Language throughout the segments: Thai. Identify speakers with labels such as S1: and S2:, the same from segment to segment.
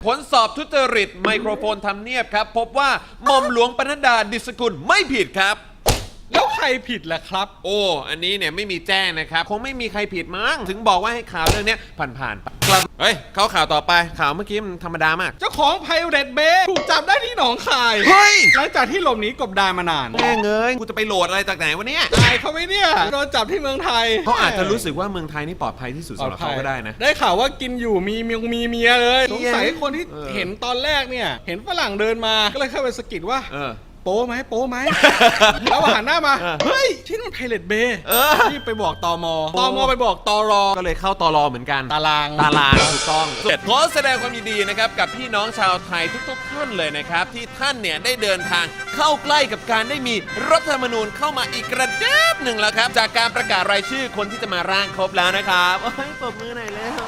S1: ผลสอบทุจริตไมโครโฟนทำเนียบครับพบว่าหม่อมหลวงปนัดดาดิษกุลไม่ผิดครับ
S2: แล้วใครผิดล่ะครับ
S1: โอ้อันนี้เนี่ยไม่มีแจ้งนะครับคงไม่มีใครผิดมั้งถึงบอกว่าให้ข่าวเรื่องนี้ผ่านๆไปเฮ้ยเข้าข่าวต่อไปข่าวเมื่อกี้มันธรรมดามาก
S2: เจ้าของไพเรตเบย์ถูกจับได้ที่หนองคาย
S1: เฮ้ย
S2: หลังจากที่หลบหนีกบดานมานาน
S1: แม่เงยกูจะไปโหลดอะไรจากไหนวะเนี่ย
S2: ตายเขาไหมเนี่ยโดนจับที่เมืองไทย
S1: เขาอาจจะรู้สึกว่าเมืองไทยนี่ปลอดภัยที่สุดสำหรับเขาก็ได้นะ
S2: ได้ข่าวว่ากินอยู่มีเมียเลยสงสัยคนที่เห็นตอนแรกเนี่ยเห็นฝรั่งเดินมาก็เลยเข้าไปสะกิดว่าโป้ไหมแล้วหันหน้ามาเฮ้ยที่นั่นไพเรตเบย์ที่ไปบอกตมไปบอกตร
S1: ก็เลยเข้าตรเหมือนกัน
S2: ตาราง
S1: ถูกต้องขอแสดงความยินดีนะครับกับพี่น้องชาวไทยทุกๆท่านเลยนะครับที่ท่านเนี่ยได้เดินทางเข้าใกล้กับการได้มีรัฐธรรมนูญเข้ามาอีกกระดับหนึ่งแล้วครับจากการประกาศรายชื่อคนที่จะมาร่างครบแล้วนะครับปรบมือหน่อยแล้ว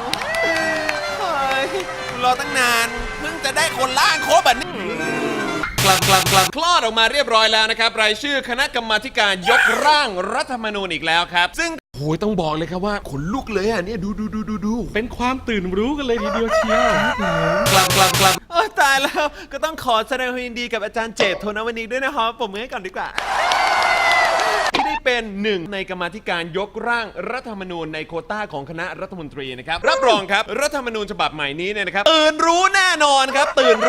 S1: รอตั้งนานเพิ่งจะได้คนร่างครบแบบนี้คลอดออกมาเรียบร้อยแล้วนะครับรายชื่อคณะกรรมาการยกร่างรัฐธรรมนูญอีกแล้วครับซึ่งโอ้ยต้องบอกเลยครับว่าขนลุกเลยอ่ะเนี่ยดู
S2: เป็นความตื่นรู้กันเลยทีเดียวเชียว
S1: ตายแล้วก็ต้องขอแสดงความยินดีกับอาจารย์เจตโทนวนิกด้วยนะครับผมมือให้ก่อนดีกว่าที่ได้เป็นหนึ่งในกรรมาธิการยกร่างรัฐธรรมนูญในโควต้าของคณะรัฐมนตรีนะครับรับรองครับรัฐธรรมนูญฉบับใหม่นี้เนี่ยนะครับตื่นรู้แน่นอนครับ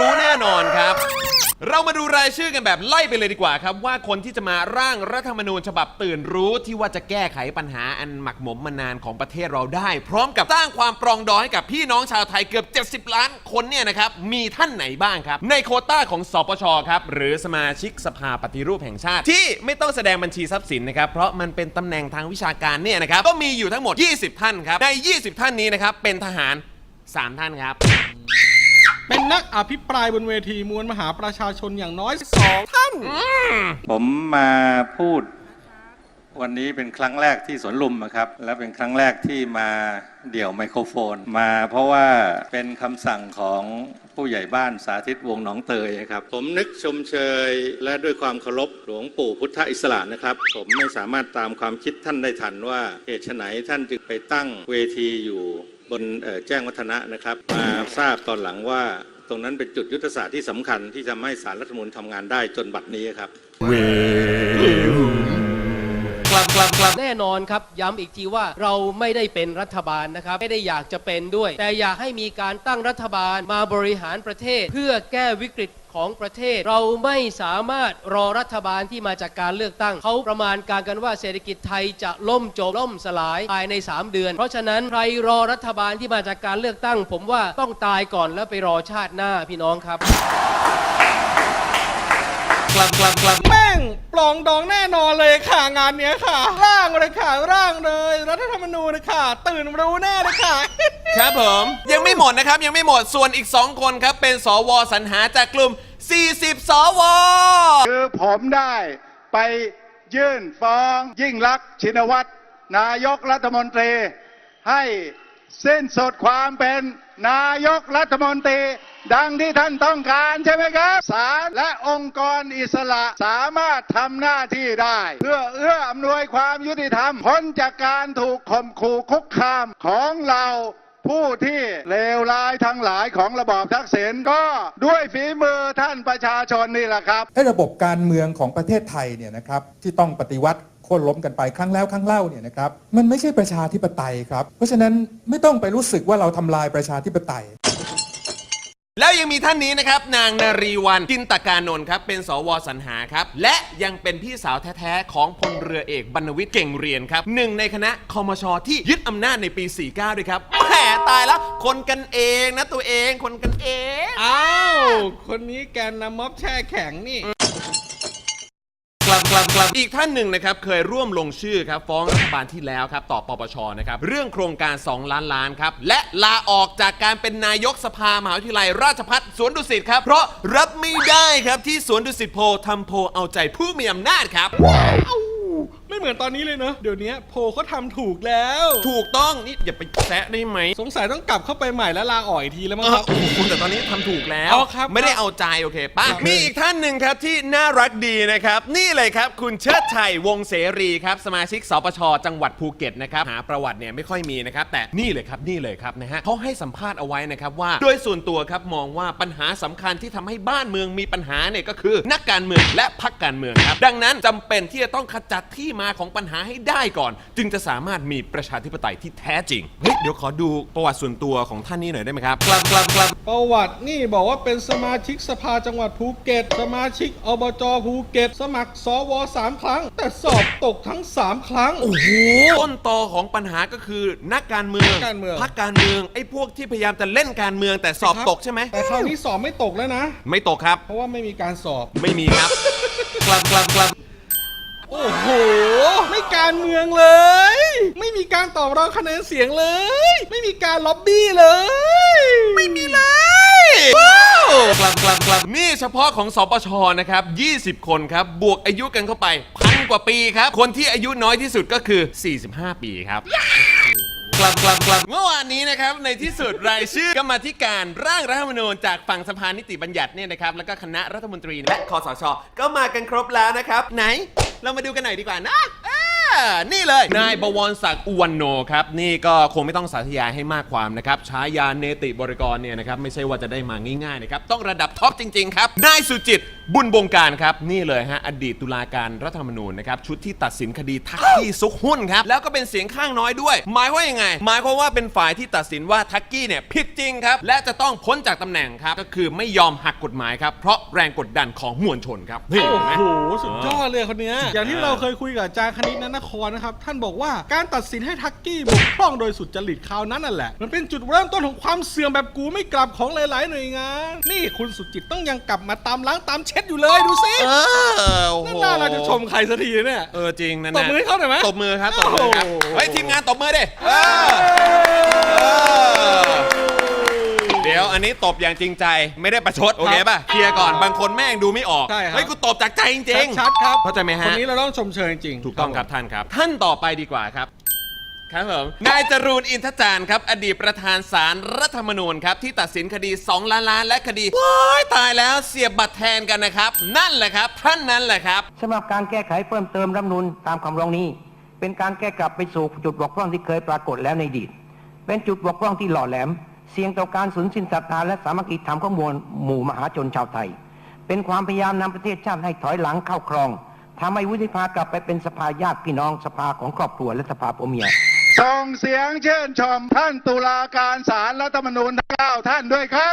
S1: เรามาดูรายชื่อกันแบบไล่ไปเลยดีกว่าครับว่าคนที่จะมาร่างรัฐธรรมนูญฉบับตื่นรู้ที่ว่าจะแก้ไขปัญหาอันหมักหมมมานานของประเทศเราได้พร้อมกับสร้างความปรองดองให้กับพี่น้องชาวไทยเกือบ70 ล้านคนเนี่ยนะครับมีท่านไหนบ้างครับในโควต้าของสปชครับหรือสมาชิกสภาปฏิรูปแห่งชาติที่ไม่ต้องแสดงบัญชีทรัพย์สินนะครับเพราะมันเป็นตำแหน่งทางวิชาการเนี่ยนะครับก็มีอยู่ทั้งหมด20ท่านครับใน20ท่านนี้นะครับเป็นทหาร3ท่านครับ
S2: เป็นนักอภิปรายบนเวทีมวลมหาประชาชนอย่างน้อย2ท่าน
S3: ผมมาพูดวันนี้เป็นครั้งแรกที่สวนลุมนะครับและเป็นครั้งแรกที่มาเดี่ยวไมโครโฟนมาเพราะว่าเป็นคำสั่งของผู้ใหญ่บ้านสาธิตวงศ์หนองเตยครับผมนึกชมเชยและด้วยความเคารพหลวงปู่พุทธอิสระนะครับผมไม่สามารถตามความคิดท่านได้ทันว่าเหตุไฉนท่านจึงไปตั้งเวทีอยู่บนแจ้งวัฒนะนะครับมาทราบตอนหลังว่าตรงนั้นเป็นจุดยุทธศาสตร์ที่สำคัญที่ทำให้ศาลรัฐธรรมนูญทำงานได้จนบัดนี้ครับ
S4: แน่นอนครับย้ำอีกทีว่าเราไม่ได้เป็นรัฐบาลนะครับไม่ได้อยากจะเป็นด้วยแต่อยากให้มีการตั้งรัฐบาลมาบริหารประเทศเพื่อแก้วิกฤตของประเทศเราไม่สามารถรอรัฐบาลที่มาจากการเลือกตั้งเขาประมาณการกันว่าเศรษฐกิจไทยจะล่มสลายภายใน3 เดือนเพราะฉะนั้นใครรอรัฐบาลที่มาจากการเลือกตั้งผมว่าต้องตายก่อนแล้วไปรอชาติหน้าพี่น้องครับ
S2: แม่งปลองดองแน่นอนเลยค่ะงานเนี้ยค่ะร่างเลยรัฐธรรมนูญเลยค่ะตื่นรู้แน่เลยค่ะ
S1: ครับผมยังไม่หมดนะครับยังไม่หมดส่วนอีก2คนครับเป็นสวสรรหาจากกลุ่ม40 สว
S5: คือผมได้ไปยื่นฟ้องยิ่งลักษณ์ชินวัตรนายกรัฐมนตรีให้สิ้นสุดความเป็นนายกรัฐมนตรีดังที่ท่านต้องการใช่ไหมครับศาลและองค์กรอิสระสามารถทำหน้าที่ได้เพื่อเอื้ออำนวยความยุติธรรมพ้นจากการถูกข่มขู่คุกคามของเราผู้ที่เลวร้ายทั้งหลายของระบอบทักษิณก็ด้วยฝีมือท่านประชาชนนี่แหละครับ
S6: ระบบการเมืองของประเทศไทยเนี่ยนะครับที่ต้องปฏิวัติโค่นล้มกันไปครั้งแล้วครั้งเล่าเนี่ยนะครับมันไม่ใช่ประชาธิปไตยครับเพราะฉะนั้นไม่ต้องไปรู้สึกว่าเราทำลายประชาธิปไตย
S1: แล้วยังมีท่านนี้นะครับนางนารีวรรณจินตกานนท์ครับเป็นสวสรรหาครับและยังเป็นพี่สาวแท้ๆของพลเรือเอกบรรณวิทย์เก่งเรียนครับหนึ่งในคณะคมช.ที่ยึดอำนาจในปี 49 ด้วยครับแหมตายแล้วคนกันเองนะตัวเองคนกันเอง
S2: อ้าวคนนี้แกนนำม็อบแช่แข็งนี่
S1: อีกท่านหนึ่งนะครับเคยร่วมลงชื่อครับฟ้องรัฐบาลที่แล้วครับต่อปปชนะครับเรื่องโครงการ2 ล้านล้านครับและลาออกจากการเป็นนายกสภามหาวิทยาลัยราชภัฏสวนดุสิตครับเพราะรับไม่ได้ครับที่สวนดุสิตโพทำโพเอาใจผู้มีอำนาจครับว้าว
S2: ไม่เหมือนตอนนี้เลยเนอะเดี๋ยวนี้โพลเขาทำถูกแล้ว
S1: ถูกต้องนี่อย่าไปแซะได้ไหม
S2: สงสัยต้องกลับเข้าไปใหม่แล้วลาออกอีกทีแล้วมั้งครับ
S1: คุณแต่ตอนนี้ทำถูกแล้ว
S2: อ๋อครับ
S1: ไม่ได้เอาใจโอเคป่ะ
S2: ครับ
S1: มีอีกท่านหนึ่งครับที่น่ารักดีนะครับ นี่เลยครับคุณเชิดชัยวงศ์เสรีครับสมาชิกสปชจังหวัดภูเก็ตนะครับหาประวัติเนี่ยไม่ค่อยมีนะครับแต่นี่เลยครับนะฮะเขาให้สัมภาษณ์เอาไว้นะครับว่าโดยส่วนตัวครับมองว่าปัญหาสำคัญที่ทำให้บ้านเมืองมีปัญหาเนี่ยก็คือนักการเมืองและพรรคการเมืองครับดังนั้นจำเป็นที่จะต้องขจัดที่มาของปัญหาให้ได้ก่อน จึงจะสามารถมีประชาธิปไตยที่แท้จริงเฮ้ยเดี๋ยวขอดูประวัติส่วนตัวของท่านนี้หน่อยได้ไหมครับครับ
S2: ประวัตินี่บอกว่าเป็นสมาชิกสภาจังหวัดภูเก็ตสมาชิกอบจภูเก็ตสมัครสว3 ครั้ง แต่สอบตกทั้ง3 ครั้ง
S1: โอ้โหต้นตอของปัญหาก็คือนักการเมือง
S2: การเมือง
S1: พรรคการเมืองไอ้พวกที่พยายามจะเล่นการเมืองแต่สอบตกใช่ไหม
S2: แต่คราวนี้สอบไม่ตกแล้วนะ
S1: ไม่ตกครับ
S2: เพราะว่าไม่มีการสอบ
S1: ไม่มีครับ
S2: โอ้โห ไม่การเมืองเลย ไม่มีการตอบรองคะแนนเสียงเลย ไม่มีการล็อบบี้เลย
S1: ไม่มีเลยนี่เฉพาะของสปชนะครับ20 คนครับบวกอายุกันเข้าไป1,000 กว่าปีครับคนที่อายุน้อยที่สุดก็คือ45 ปีครับเมื่อวานนี้นะครับในที่สุดรายชื่อกรรมาธิการร่างรัฐธรรมนูญจากฝั่งสภานิติบัญญัติเนี่ยนะครับแล้วก็คณะรัฐมนตรีและคสช.ก็มากันครบแล้วนะครับไหนเรามาดูกันหน่อยดีกว่านะนี่เลยนายบวรศักดิ์อุวันโนครับนี่ก็คงไม่ต้องสาธยายให้มากความนะครับฉายาเนติบริกรเนี่ยนะครับไม่ใช่ว่าจะได้มาง่ายๆนะครับต้องระดับท็อปจริงๆครับนายสุจิตบุญบงการครับนี่เลยฮะอดีตตุลาการรัฐธรรมนูญนะครับชุดที่ตัดสินคดีทักกี้ซุกหุ้นครับแล้วก็เป็นเสียงข้างน้อยด้วยหมายว่ายังไงหมายความว่าเป็นฝ่ายที่ตัดสินว่าทักกี้เนี่ยผิดจริงครับและจะต้องพ้นจากตำแหน่งครับก็คือไม่ยอมหักกฎหมายครับเพราะแรงกดดันของมวลชนครับนี่
S2: โอ้
S1: เห็นไหม
S2: โห สุดยอดเลยคนเนี้ยอย่างที่เราเคยคุยกับอาจารย์คณิตนครนะครับ ท่านบอกว่าการตัดสินให้ทักกี้บกพร่องโดยสุจริตคราวนั้นนั่นแหละ มันเป็นจุดเริ่มต้นของความเสื่อมแบบกูไม่กลับของหลายๆหน่วยงาน นี่คุณสุจิตต้องยังกลับมาตามล้างตามเช็ดอยู่เลยดูสิ
S1: โอ้โห
S2: น่าเราจะชมใครสักทีเนี่ย
S1: จริงนั่น
S2: ตบมือให้เขาหน่อยไหม
S1: ตบมือครับตบมือครับ
S2: โอ้โห
S1: เฮ้ยทีมงานตบมือดิเดี๋ยวอันนี้ตบอย่างจริงใจไม่ได้ประชดโอเคป่ะเคลียร์ก่อนบางคนแม่งดูไม่ออก
S2: ใช่ครับ
S1: เฮ้ยกูตบจากใจจริงๆ
S2: ชัดๆครับ
S1: เข้าใจไหมฮะ
S2: คนนี้เราต้องชมเชยจริงๆ
S1: ถูกต้องครับท่านครับ ท่านต่อไปดีกว่าครับครับผมนายจรูนอินทจารย์ครับอดีตประธานศาลรัฐธรรมนูญครับที่ตัดสินคดี2 ล้านและคดีว้ายตายแล้วเสียบบัตรแทนกันนะครับนั่นแหละครับท่านนั้นแหละครับ
S7: สำหรับการแก้ไขเพิ่มเติมรัฐธรรมนูญตามคำร้องนี้ เป็นการแก้กลับไปสู่จุดบกพร่องที่เคยปรากฏแล้วในอดีตเป็นจุดบกพร่องที่หล่อแหลมเสี่ยงต่อการสูญสิ้นศรัทธาและสามัคคีธรรมของมวลหมู่มหาชนชาวไทยเป็นความพยายามนำประเทศชาติให้ถอยหลังเข้าครองทำให้วุฒิสภากลับไปเป็นสภาญาติพี่น้องสภาของครอบครัวและสภาผัวเมีย
S5: ส่งเสียงเชิญชมท่านตุลาการศาลรัฐธรรมนูญทั้ง9ท่านด้วยครับ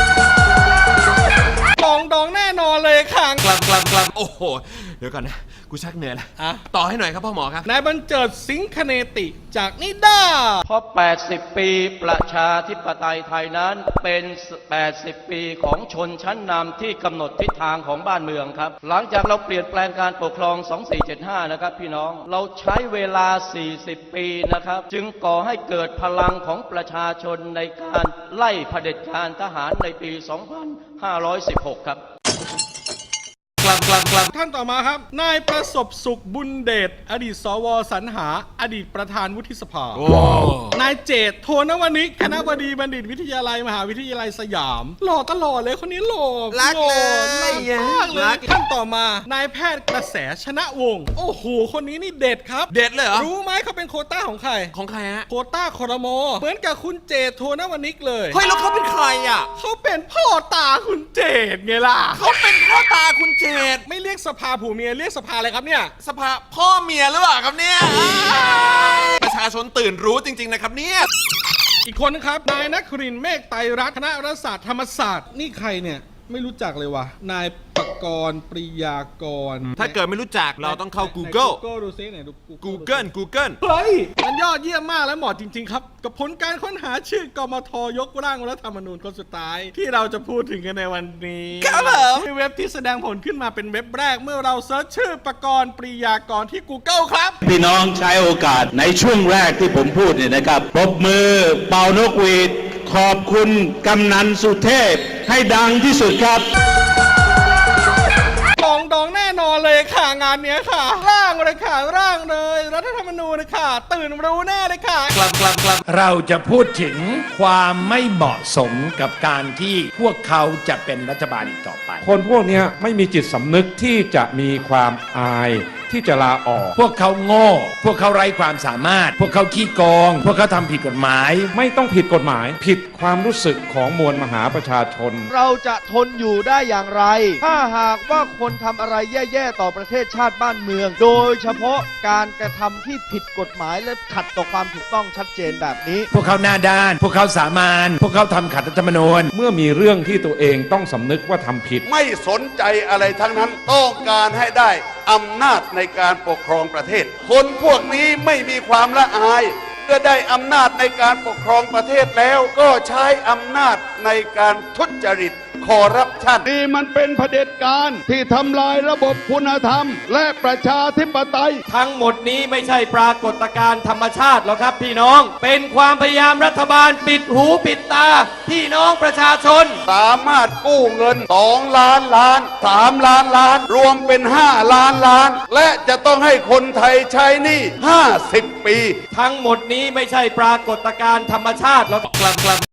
S2: ปองดองแน่นอนเลยค่ะ
S1: โอ้โหเดี๋ยวก่อนนะกูชักเหนื่อยแล้ว
S2: อ่ะ
S1: ต่อให้หน่อยครับพ่อหมอครับ
S2: นายบรรเจิดสิงคเนติจากนิด้า
S8: เพราะ 80 ปีประชาธิปไตยไทยนั้นเป็น 80 ปีของชนชั้นนำที่กำหนดทิศทางของบ้านเมืองครับ หลังจากเราเปลี่ยนแปลงการปกครอง 2475 นะครับพี่น้อง เราใช้เวลา 40 ปีนะครับ จึงก่อให้เกิดพลังของประชาชนในการไล่เผด็จการทหารในปี 2516 ครับ
S2: ท่านต่อมาครับ นายประสบสุขบุญเดชอดีตสวสรรหา อดีตประธานวุฒิสภา นายเจตโทนวนิกคณบดีบัณฑิตวิทยาลัยมหาวิทยาลัยสยามหล่อตลอดเลยคนนี้หล่อ
S1: รักเลย
S2: หล่อมากเลยท่านต่อมานายแพทย์กระแสชนะวงศ์โอ้โหคนนี้นี่เด็ดครับ
S1: เด็ดเลยเหรอ
S2: รู้ไหมเขาเป็นโควต้าของใคร
S1: ของใครฮะ
S2: โควต้าครมเหมือนกับคุณเจตโทนวนิกเลย
S1: เฮ้ยแล้วเขาเป็นใครอ่ะ
S2: เขาเป็นพ่อตาคุณเจตไงล่ะ
S1: เขาเป็นพ่อตาคุณเจต
S2: ไม่เรียกสภาผัวเมียเรียกสภาอะไรครับเนี่ย
S1: สภาพ่อเมียหรือเปล่าครับเนี่ยประชาชนตื่นรู้จริงๆนะครับเนี่ย
S2: อีกคนนะครับ นายนครินทร์เมฆไตรรัตน์คณะรัฐศาสตร์ธรรมศาสตร์นี่ใครเนี่ยไม่รู้จักเลยว่ะนายปกรณ์ปริยากร
S1: ถ้าเกิดไม่รู้จักเราต้องเข้า Google
S2: ดูซิไหนดู
S1: Google
S2: เฮ้ยมันยอดเยี่ยมมากและเหมาะจริงๆครับกับผลการค้นหาชื่อกมทยกร่างรัฐธรรมนูญคนสุดท้ายที่เราจะพูดถึงกันในวันนี้
S1: ครับผม
S2: ที่เว็บที่แสดงผลขึ้นมาเป็นเว็บแรกเมื่อเราเซิร์ชชื่อปกรณ์ปริยากรที่ Google ครับ
S9: พี่น้องใช้โอกาสในช่วงแรกที่ผมพูดเนี่ยนะครับปรบมือเป่านกหวีดขอบคุณกำนันสุเทพให้ดังที่สุดครับ
S2: ปองดองแน่นอนอนเลยค่ะงานเนี้ยค่ะ ร่างเลยค่ะร่างเลยรัฐธรรมนูญเลยค่ะ ตื่นรู้แน่เลยค่ะ
S10: เราจะพูดถึงความไม่เหมาะสมกับการที่พวกเขาจะเป็นรัฐบาลอีกต่อไป
S11: คนพวกนี้ไม่มีจิตสำนึกที่จะมีความอายที่จะลาออก
S10: พวกเขาโง่ พวกเขาไร้ความสามารถ พวกเขาขี้โกง พวกเขาทำผิดกฎหมาย
S11: ไม่ต้องผิดกฎหมาย ผิดความรู้สึกของมวลมหาประชาชน
S12: เราจะทนอยู่ได้อย่างไร ถ้าหากว่าคนทำอะไรแย่ๆต่อประเทศชาติบ้านเมือง โดยเฉพาะการกระทำที่ผิดกฎหมายและขัดต่อความถูกต้องชัดเจนแบบนี้
S10: พวกเขาหน้าด้าน พวกเขาสามานพวกเขาทำขัดรัฐธรรมนูญ
S11: เมื่อมีเรื่องที่ตัวเองต้องสำนึกว่าทำผิด
S13: ไม่สนใจอะไรทั้งนั้นต้องการให้ได้อำนาจในการปกครองประเทศ คนพวกนี้ไม่มีความละอายเมื่อได้อำนาจในการปกครองประเทศแล้วก็ใช้อำนาจในการทุจริตคอร์รัปชัน
S5: นี่มันเป็นเผด็จการที่ทำลายระบบคุณธรรม และประชาธิปไตย
S8: ทั้งหมดนี้ไม่ใช่ปรากฏการณ์ธรรมชาติหรอกครับพี่น้อง เป็นความพยายามรัฐบาลปิดหูปิดตาพี่น้องประชาชน
S13: สามารถกู้เงิน2 ล้านล้าน3 ล้านล้าน รวมเป็น5 ล้านล้าน และจะต้องให้คนไทยใช้หนี้50 ปี
S8: ทั้งหมดนี้ไม่ใช่ปรากฏการณ์ธรรมชาติหรอก